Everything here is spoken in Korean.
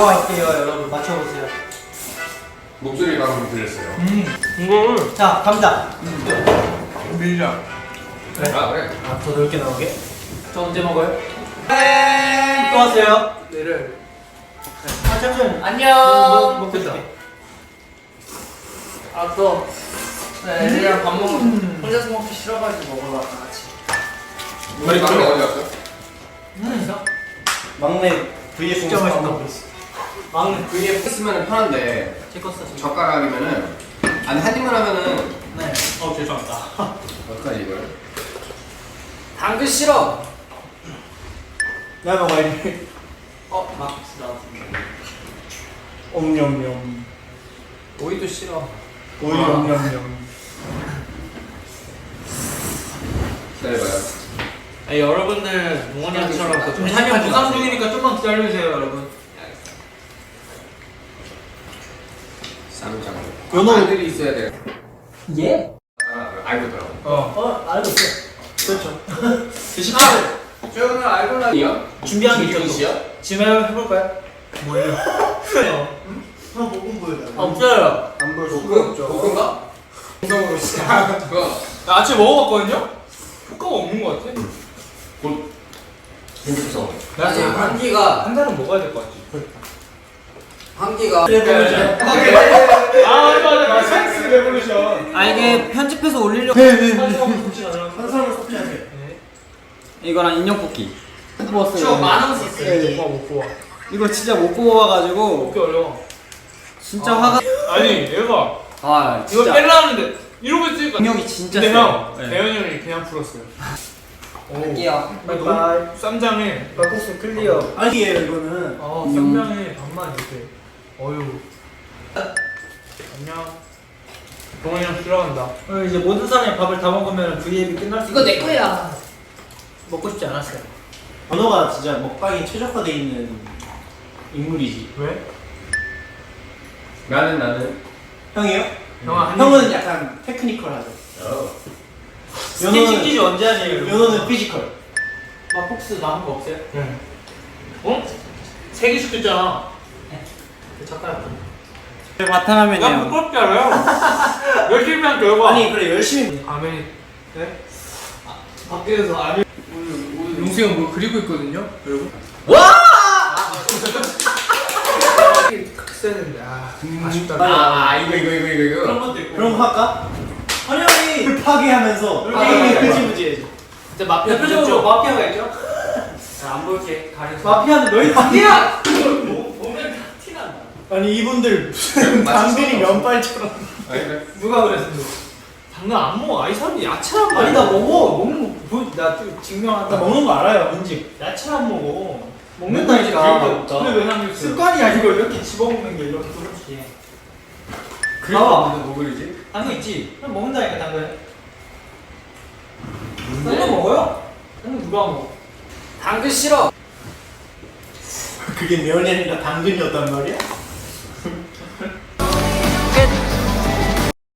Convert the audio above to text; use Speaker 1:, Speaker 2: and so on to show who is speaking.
Speaker 1: 할게요. 여러분 맞춰보세요.
Speaker 2: 목소리가 한번 들렸어요.
Speaker 1: 이거를 자 갑니다.
Speaker 3: 밀자.
Speaker 2: 그래? 아 그래?
Speaker 1: 더 넓게 나오게. 저 언제 먹어요? 또 하세요.
Speaker 3: 내를.
Speaker 1: 아 잠시만.
Speaker 3: 안녕.
Speaker 1: 먹겠다.
Speaker 3: 아 또. 네, 애들이랑 밥 먹고 혼자서 먹기 싫어가지고 먹으러 왔다 같이.
Speaker 2: 우리 막내 어디 갔어?
Speaker 1: 막내 VF
Speaker 3: 진짜 맛있다.
Speaker 1: 막내 VF
Speaker 2: 했으면 편한데
Speaker 1: 제거 써서.
Speaker 2: 젓가락이면은 아니 한 입만 하면은
Speaker 1: 네. 죄송합니다.
Speaker 2: 어떡하지 이걸?
Speaker 3: 당근 싫어.
Speaker 1: 나 먹어야지.
Speaker 3: 막
Speaker 1: 옴뇸뇸.
Speaker 3: 오이도 싫어.
Speaker 1: 오이 옴뇸뇸.
Speaker 2: 기다려봐요.
Speaker 3: 여러분들 몽원이처럼
Speaker 1: 한명 부상 중이니까 좀만 기다려주세요, 여러분.
Speaker 2: 쌈장.
Speaker 1: 연어.
Speaker 2: 아들이 있어야 돼.
Speaker 1: 예?
Speaker 2: 알고 있더라고.
Speaker 1: 알고 있어요. 그렇죠.
Speaker 2: 저는 알고 나니요?
Speaker 1: 준비한 게 있죠.
Speaker 2: 씨야?
Speaker 1: 지금 해볼까요? 뭐예요? 한 볶음 보여줘.
Speaker 3: 없어요.
Speaker 1: 안 보여줘.
Speaker 2: 볶음가? 볶음으로 시작. 그거.
Speaker 3: 나 아침에 먹어봤거든요? 효과가 없는 것 같아.
Speaker 2: 곧. 재밌어.
Speaker 3: 나 지금 한기가
Speaker 1: 한 잔은 먹어야 될 것 같지.
Speaker 3: 한기가
Speaker 1: 맞아. 센스 레볼루션.
Speaker 4: 아 이게 편집해서 올리려고
Speaker 1: 한 사람을 섭취하세요.
Speaker 4: 이거랑 인형 뽑기
Speaker 3: 저 만원 썼어요.
Speaker 1: 못 뽑아.
Speaker 4: 이거 진짜 못 뽑아가지고
Speaker 3: 먹기 어려워.
Speaker 4: 진짜 화가
Speaker 3: 아니 얘가
Speaker 4: 아
Speaker 3: 이거
Speaker 4: 진짜
Speaker 3: 뺄라는데 이러고 있으니까.
Speaker 4: 능력이 진짜
Speaker 3: 근데
Speaker 4: 세요.
Speaker 3: 형
Speaker 4: 네.
Speaker 3: 대현이 형이 그냥 풀었어요.
Speaker 4: 할게요.
Speaker 1: 바이바이.
Speaker 3: 쌈장에
Speaker 1: 박국수 클리어. 아니에요 이거는.
Speaker 3: 쌈장에 반만 이렇게. 어휴. 안녕. 동원이 형 싫어한다.
Speaker 1: 이제 모든 사람이 밥을 다 먹으면 V앱이 끝날 수.
Speaker 3: 이거 내 거야.
Speaker 1: 먹고 싶지 않았어요. 번호가 진짜 먹방에 최적화돼 있는 인물이지.
Speaker 3: 왜?
Speaker 2: 나는.
Speaker 1: 형이요?
Speaker 3: 형아 한
Speaker 1: 형은 약간 테크니컬하죠.
Speaker 3: 스킨 퀴즈 언제 하세요?
Speaker 1: 연호는 피지컬.
Speaker 3: 막폭스 남은 거 없어요? 네. 어? 3개 시켰잖아. 잠깐. 야
Speaker 4: 바탕화면이에요.
Speaker 3: 부끄럽게 알아요? 열심히 한 결과.
Speaker 1: 아니 그래 열심히.
Speaker 3: 아멘. 네? 밖에서 아멘. 용수 형 뭐 그리고 있거든요, 여러분.
Speaker 1: 와!
Speaker 3: 써야 되는데 아쉽다.
Speaker 2: 이거.
Speaker 3: 그런 것도 있고.
Speaker 1: 그럼 할까? 헌영이 불 파괴하면서 게임이 흐지부지해져.
Speaker 3: 진짜 마피아
Speaker 1: 대표적으로 마피아가 있죠?
Speaker 3: 안 볼게 가려서.
Speaker 1: 마피아는 너희 마피아!
Speaker 3: 보면 다 티난다.
Speaker 1: 아니 이분들 무슨 당근이 면발처럼.
Speaker 2: 아니 그래.
Speaker 1: 누가 그랬어?
Speaker 3: 당근 안 먹어. 이 사람이 야채를 안 먹어.
Speaker 1: 아니 나 먹어. 먹는 거 나좀 증명한다. 나 먹는 거 알아요. 뭔지.
Speaker 3: 야채를 안 먹어.
Speaker 1: 먹는다니까.
Speaker 3: 근데 왜 남겼어?
Speaker 1: 습관이야 이거 이렇게 집어먹는 게 이렇게 그렇지.
Speaker 2: 그거 없는데 뭐 그리지?
Speaker 1: 당근 있지? 그냥 먹는다니까 당근. 당근 먹어요? 당근 누가 먹어?
Speaker 3: 당근 싫어.
Speaker 1: 그게 면이 아니라 당근이었단 말이야?